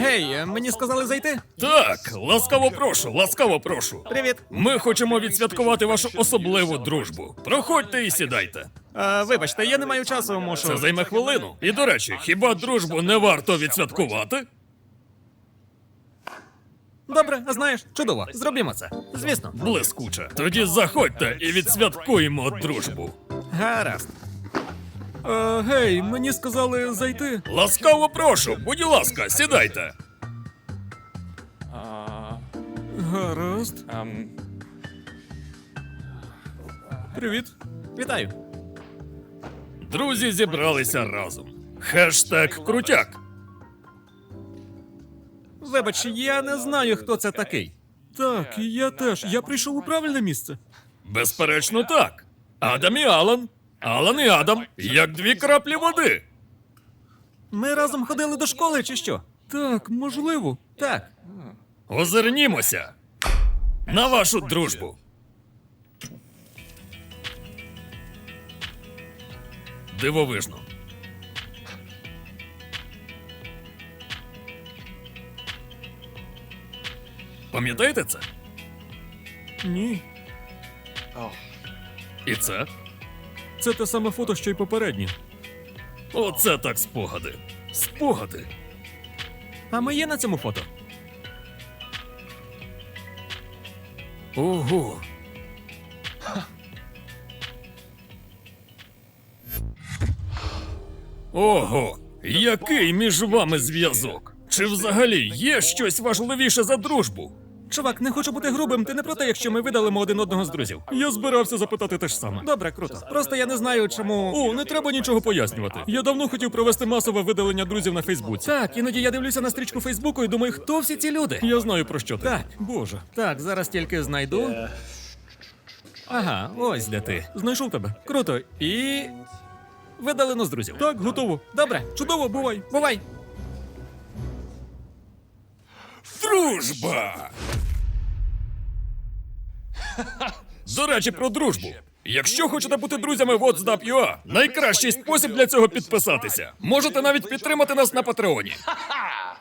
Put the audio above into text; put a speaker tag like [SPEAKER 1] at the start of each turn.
[SPEAKER 1] Гей, мені сказали зайти?
[SPEAKER 2] Так, ласкаво прошу, ласкаво прошу.
[SPEAKER 1] Привіт.
[SPEAKER 2] Ми хочемо відсвяткувати вашу особливу дружбу. Проходьте і сідайте.
[SPEAKER 1] Вибачте, я не маю часу, мушу.
[SPEAKER 2] Це займе хвилину. І до речі, хіба дружбу не варто відсвяткувати?
[SPEAKER 1] Добре, а знаєш, чудово. Зробімо це. Звісно.
[SPEAKER 2] Блискуче. Тоді заходьте і відсвяткуємо дружбу.
[SPEAKER 1] Гаразд. Гей, мені сказали зайти.
[SPEAKER 2] Ласкаво прошу, будь ласка, сідайте.
[SPEAKER 1] Гаразд. Привіт. Вітаю.
[SPEAKER 2] Друзі зібралися разом. Хештег крутяк.
[SPEAKER 1] Вибач, я не знаю, хто це такий. Так, я теж. Я прийшов у правильне місце.
[SPEAKER 2] Безперечно, так. Адам і Алан. Алан і Адам, як дві краплі води.
[SPEAKER 1] Ми разом ходили до школи, чи що? Так, можливо. Так.
[SPEAKER 2] Озирнімося на вашу дружбу. Дивовижно. Пам'ятаєте це?
[SPEAKER 1] Ні.
[SPEAKER 2] І це?
[SPEAKER 1] Це те саме фото, що й попереднє.
[SPEAKER 2] Оце так спогади. Спогади.
[SPEAKER 1] А ми є на цьому фото?
[SPEAKER 2] Ого. Ого, який між вами зв'язок? Чи взагалі є щось важливіше за дружбу?
[SPEAKER 1] Чувак, не хочу бути грубим, ти не проти, якщо ми видалимо один одного з друзів.
[SPEAKER 2] Я збирався запитати те ж саме.
[SPEAKER 1] Добре, круто. Просто я не знаю, чому.
[SPEAKER 2] О, не треба нічого пояснювати. Я давно хотів провести масове видалення друзів на Фейсбуці.
[SPEAKER 1] Так, іноді я дивлюся на стрічку Фейсбуку і думаю, хто всі ці люди?
[SPEAKER 2] Я знаю, про що ти.
[SPEAKER 1] Так.
[SPEAKER 2] Боже.
[SPEAKER 1] Так, зараз тільки знайду. Ага, ось де ти.
[SPEAKER 2] Знайшов тебе.
[SPEAKER 1] Круто. І. Видалено з друзів.
[SPEAKER 2] Так, готово.
[SPEAKER 1] Добре, чудово, бувай. Бувай.
[SPEAKER 2] Дружба! До речі, про дружбу. Якщо хочете бути друзями WhatsApp.ua, найкращий спосіб для цього підписатися. Можете навіть підтримати нас на Патреоні.